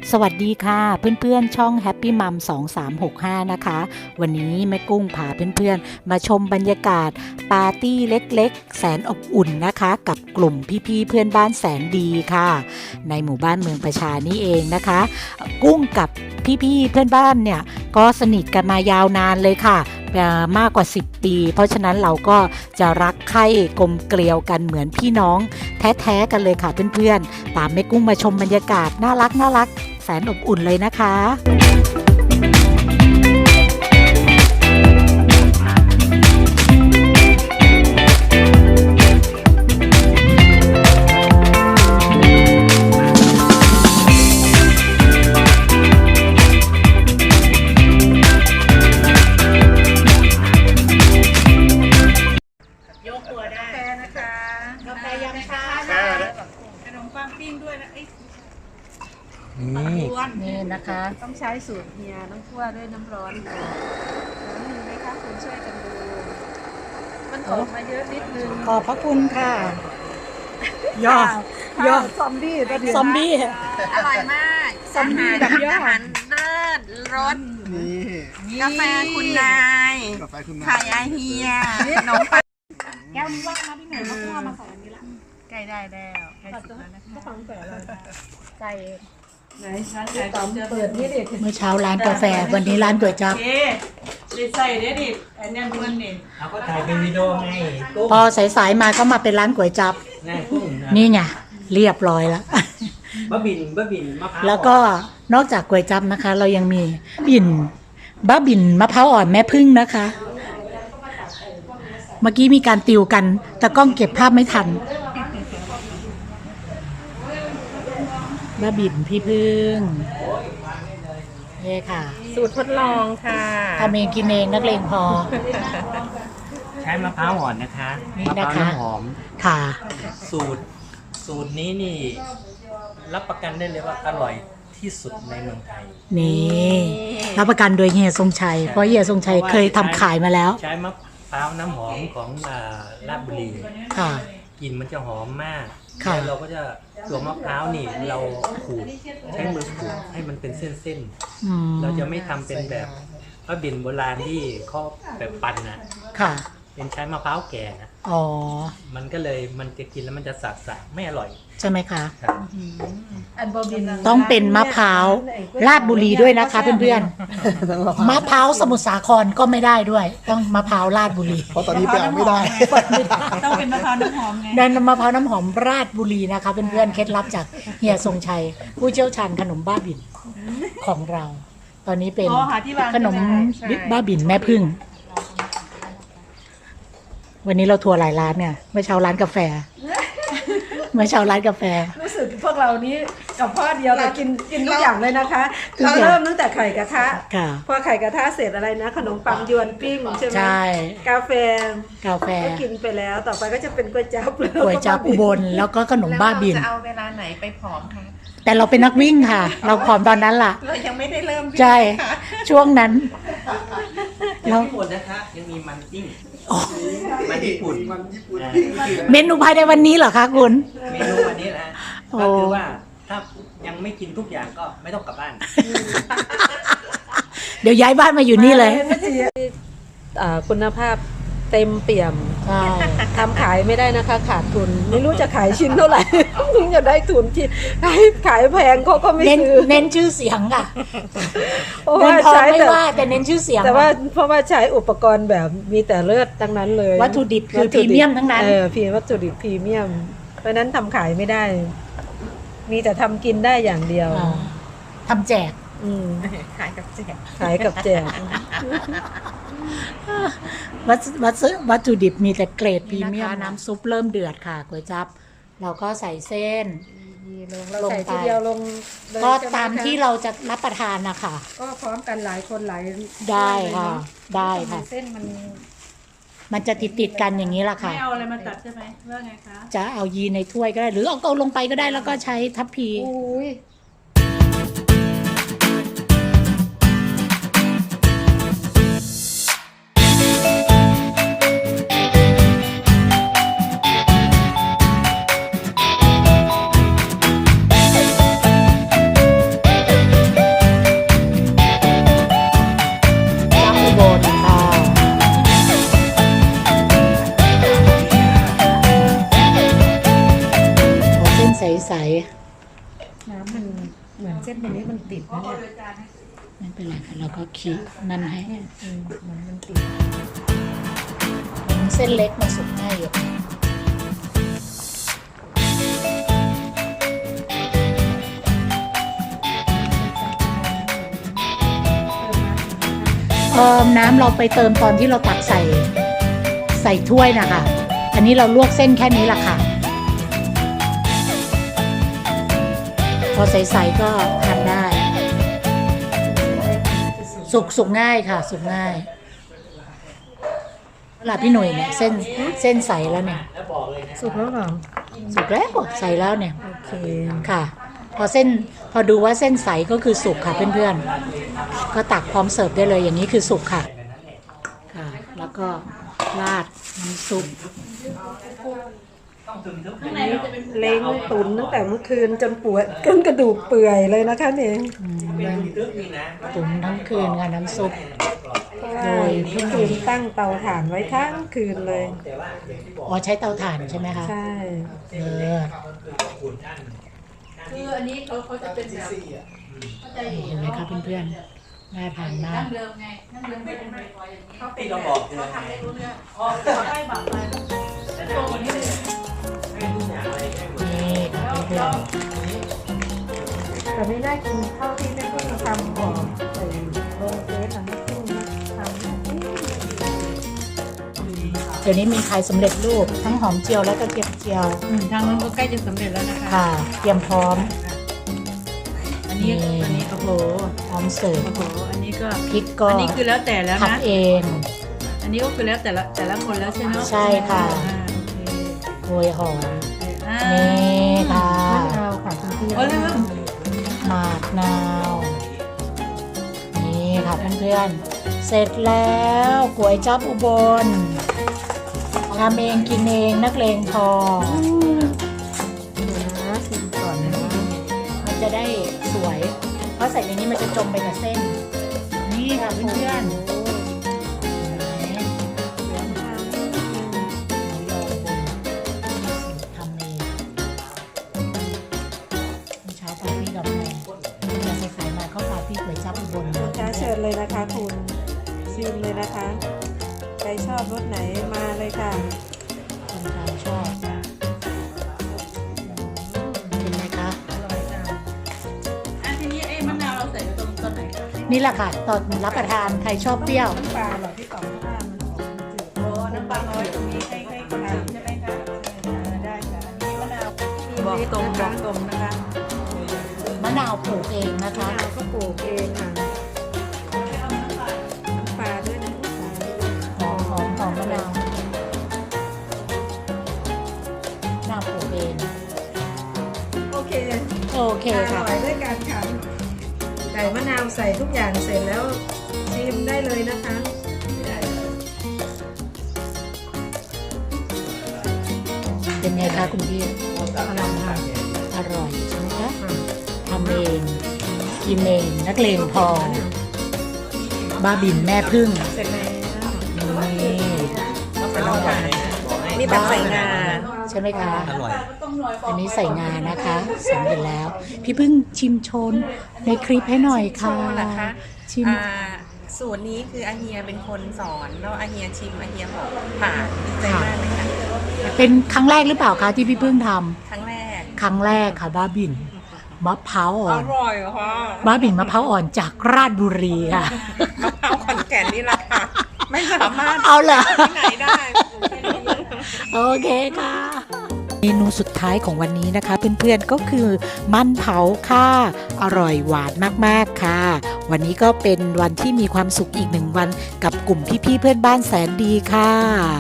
สวัสดีค่ะเพื่อนๆช่อง Happy Mom 2365นะคะวันนี้แม่กุ้งพาเพื่อนๆมาชมบรรยากาศปาร์ตี้เล็กๆแสนอบอุ่นนะคะกับกลุ่มพี่ๆเพื่อนบ้านแสนดีค่ะในหมู่บ้านเมืองประชานี่เองนะคะกุ้งกับพี่ๆเพื่อนบ้านเนี่ยก็สนิทกันมายาวนานเลยค่ะมากกว่า10ปีเพราะฉะนั้นเราก็จะรักใคร่กลมเกลียวกันเหมือนพี่น้องแท้ๆกันเลยค่ะเพื่อนๆตามแม่กุ้งมาชมบรรยากาศน่ารักแสนอบอุ่นเลยนะคะยกตัวได้กาแฟนะคะกาแฟยำชาขนมปังปิ้งด้วยนะนี่นะคะต้องใช้สูตรเฮียน้ำคั่วด้วยน้ำร้อนน้ำมีไหมคะคุณช่วยกันดูมันตกมาเยอะนิดนึงขอบพระคุณค่ะย่อซอมบี้ซอมบี้อร่อยมากซอมบี้แบบย่ออาหารเลิศรสกาแฟคุณนายไข่ไอเฮียขนมปังแก้วนี้ว่างมาที่ไหนมาคั่วมาใส่อันนี้ละใกล้ได้แล้วใกล้สุดแล้วนะคะต้องใส่อะไรใส่ไหนร้านขายตอมเปิดนี่ดิเมื่อเช้าร้านกาแฟวันนี้ร้านก๋วยจั๊บใส่ได้ดิอันนี้มันนี่เราก็ถ่ายเป็นวิดีโอไงพอสายๆมาก็มาเป็นร้านก๋วยจั๊บนี่ไงเรียบร้อยแล้วบะบินมะพร้าวแล้วก็นอกจากก๋วยจั๊บนะคะเรายังมีบะบิ่นมะพร้าวอ่อนแม่พึ่งนะคะเมื่อกี้มีการติวกันแต่กล้องเก็บภาพไม่ทันบะบิ่นพี่พึ่งนี่ค่ะสูตรทดลองค่ะทำเองกินเองนักเลงพอใช้มะพร้าวอ่อนนะคะนี่นะคะมะพร้าวน้ำหอมค่ะสูตรนี้นี่รับประกันได้เลยว่าอร่อยที่สุดในเมืองไทยนี่รับประกันโดยเฮียทรงชัยเพราะเฮียทรงชัยเคยทำขายมาแล้วใช้มะพร้าวน้ำหอมของราชบุรีค่ะกลิ่นมันจะหอมมากแล้วเราก็จะตัวมะพร้าวนี่เราขูดใช้มือขูดให้มันเป็นเส้นๆเราจะไม่ทำเป็นแบบบะบิ่นโบราณที่เขาแบบปั่นนะค่ะเป็นใช้มะพร้าวแก่นะมันก็เลยมันจะกินแล้วมันจะสักไม่อร่อยใช่ไหมคะอันบะบิ่นต้องเป็นมะพร้าวราชบุรีด้วยนะคะเพื่อนๆมะพร้าวสมุทรสาครก็ไม่ได้ด้วยต้องมะพร้าวราชบุรีเพราะตอนนี้แปลไม่ได้ต้องเป็นมะพร้าวน้ำหอมไงนั่นมะพร้าวน้ำหอมราชบุรีนะคะเพื่อนๆเคล็ดลับจากเฮียทรงชัยผู้เชี่ยวชาญขนมบ้าบิ่นของเราตอนนี้เป็นขนมบ้าบิ่นแม่พึ่งวันนี้เราทัวร์หลายร้านเนี่ยเมื่อเช้าร้านกาแฟรู้สึกพวกเรานี้กับพ่อเดียวเรากินทุกอย่างเลยนะคะเราเริ่มตั้งแต่ไข่กระทะพอไข่กระทะเสร็จอะไรนะขนมปังยวนปิ้งใช่ไหมกาแฟก็กินไปแล้วต่อไปก็จะเป็นก๋วยจั๊บอุบลแล้วก็ขนมบ้าบิ่นจะเอาเวลาไหนไปผอมคะแต่เราเป็นนักวิ่งค่ะเราผอมตอนนั้นล่ะเรายังไม่ได้เริ่มใช่ช่วงนั้นยังไม่หมดนะคะยังมีมันปิ้งมันญี่ปุ่นเมนูภายในวันนี้เหรอคะคุณเมนูวันนี้นะก็คือว่าถ้ายังไม่กินทุกอย่างก็ไม่ต้องกลับบ้านเดี๋ยวย้ายบ้านมาอยู่นี่เลยคุณภาพเต็มเปี่ยมทำขายไม่ได้นะคะขาดทุนไม่รู้จะขายชิ้นเท่าไหร่ถึงจะได้ทุนที่ขายแพงเขาก็ไม่ซื้อเน้นชื่อเสียงอ่ะเงินทองไม่ว่าแต่เน้นชื่อเสียงแต่ว่าเพราะว่าใช้อุปกรณ์แบบมีแต่เลือดทั้งนั้นเลยวัตถุดิบคือพรีเมียมทั้งนั้นวัตถุดิบพรีเมียมเพราะนั้นทำขายไม่ได้มีแต่ทำกินได้อย่างเดียวทำแจกขายกับแจกวัตถุดิบมีแต่เกรดพรีเมียมน้ำซุปเริ่มเดือดค่ะก๋วยจั๊บเราก็ใส่เส้นลงไปก็ตามที่เราจะรับประทานนะคะก็พร้อมกันหลายคนหลายได้ค่ะได้ค่ะเส้นมันจะติดกันอย่างนี้ล่ะค่ะไม่เอาอะไรมาตัดใช่ไหมว่าไงคะจะเอายีในถ้วยก็ได้หรือเอาลงไปก็ได้แล้วก็ใช้ทัพพีเหมือนเส้นตรงนี้มันติดนะเนี่ยไม่เป็นไรค่ะเราก็คีนั่นให้เหมือนมันติดเส้นเล็กมาสุกง่ายอยู่น้ำเราไปเติมตอนที่เราตักใส่ถ้วยนะคะอันนี้เราลวกเส้นแค่นี้แหละค่ะพอใสๆก็ทานได้สุกง่ายค่ะสุกง่ายเวลาพี่หนุ่ยเนี่ยเส้นใสแล้วเนี่ยแล้วบอกเลยนะสุกแล้วเหรอสุกแล้วใสแล้วเนี่ยโอเคค่ะ พอดูว่าเส้นใสก็คือสุกค่ะเพื่อนๆก็ตักพร้อมเสิร์ฟได้เลยอย่างนี้คือสุกค่ะค่ะ แล้วก็ราดน้ำซุปต้องถึงทุกเล้งตุ๋นตั้งแต่เมื่อคืนจนปวดจนกระดูกเปื่อยเลยนะคะเนี่ยเป็นทึกนี่นะตุ๋นทั้งคืนค่ะน้ำซุปเพราะว่าเมื่อคืนตั้งเตาถ่านไว้ทั้งคืนเลยแต่ว่าอย่างที่บอกอ๋อใช้เตาถ่านใช่ไหมคะใช่เออคือขอบคุณท่านคืออันนี้เขาจะเป็นแบบเข้าใจอยู่เห็นไหมคะเพื่อนๆน่าทานมากนั่งเดิมไงนั่งเดิมเป็นบ่อยๆอย่างนี้ที่เราบอกคือเขาทำได้รู้เรื่องเขาได้แบบไปโตกว่านี้เลยให้ทุกอย่างอะไรให้หมดนี่ค่ะเพื่อนแต่ไม่ได้กินข้าวที่แม่กุ้งทำก่อนใส่ลงเฟซอ่ะแม่กุ้งทำๆเดี๋ยวนี้มีขายสำเร็จรูปทั้งหอมเจียวและกระเทียมเจียวทางนั้นก็ใกล้จะสำเร็จแล้วนะคะค่ะ เตรียมพร้อมอันนี้โอ้โหพร้อมเสิร์ฟโอ้โหอันนี้ก็พริกก็อันนี้คือแล้วแต่แล้วนะทำเองอันนี้ก็คือแล้วแต่ละคนแล้วใช่ไหมใช่ค่ะโอเคโรยหอมอ่านี่ค่ะมะนาวค่ะคุณพี่โอ้เรื่องหมากนาว นี่ค่ะเพื่อนๆ เสร็จแล้วก๋วยจั๊บอุบลทำเองกินเองนักเลงพอเดี๋ยวนะชิมก่อนนะมันจะได้สวย เพราะใส่ในนี้มันจะจมไปกับเส้น นี่ค่ะเพื่อนๆเห็นไหมหมูยออุบลทำเองเมื่อเช้าปาร์ตี้กับแม่อยากใส่มาเข้าปาร์ตี้ก๋วยจั๊บอุบลลูกค้าเชิญเลยนะคะคุณชิมเลยนะคะใครชอบรสไหนมาเลยค่ะคนไทยชอบเป็นไหมคะอร่อยจังอ่ะทีนี้ไอ้มะนาวเราใส่ตรงต้นไหนนี่แหละค่ะ ตอนรับประทานใครชอบเปรี้ยวน้ำปลาเหรอที่ต่อมข้ามมันออกมันจืดโอ้น้ำปลาน้อยตรงนี้ให้คนชิมใช่ไหมคะได้ค่ะอันนี้มะนาวบอกตรงนะคะมะนาวปลูกเองนะคะมะนาวก็ปลูกเองค่ะน้ำปลาด้วยนะหอมมะนาวมะนาวปลูกเองโอเคโอเคอค่ะร่อยด้วยกันค่ะใส่มะนาวใส่ทุกอย่างเสร็จแล้วชิมได้เลยนะคะเป็นไงคะคุณพี่อร่อยค่ะอร่อยใช่ไหมคะทำเองกินเองนักเลงพอ บ้าบินแม่พึ่งเสร็จแล้วนี่เสร็จแล้วค่ะบอกให้นี่แบบใส่งาใช่ไหมคะอร่อยอันนี้ใส่งานะคะสำเร็จแล้ว พี่พึ่งชิมโชนในคลิปให้หน่อยค่ะโชว์เหรอคะชิมสูตรนี้คืออาเฮียเป็นคนสอนแล้วอาเฮียชิมอาเฮียบอกผ่านดีใจมากเลยค่ะเป็นครั้งแรกหรือเปล่าคะที่พี่พึ่งทำครั้งแรกครั้งแรกค่ะบ้าบินมะพร้าวอ่ออนร่อยค่ะบ้าบินมะพร้าวอ่อนจากราชบุรีค่ะมะพร้าวขอนแก่นนี่แหละค่ะ ไม่สามารถเอาเหรอที่ไหนได้โอเคค่ะ เมนูสุดท้ายของวันนี้นะคะเพื่อนๆก็คือมันเผาค่ะ อร่อยหวานมากๆค่ะ วันนี้ก็เป็นวันที่มีความสุขอีกหนึ่งวันกับกลุ่มพี่ๆเพื่อนบ้านแสนดีค่ะ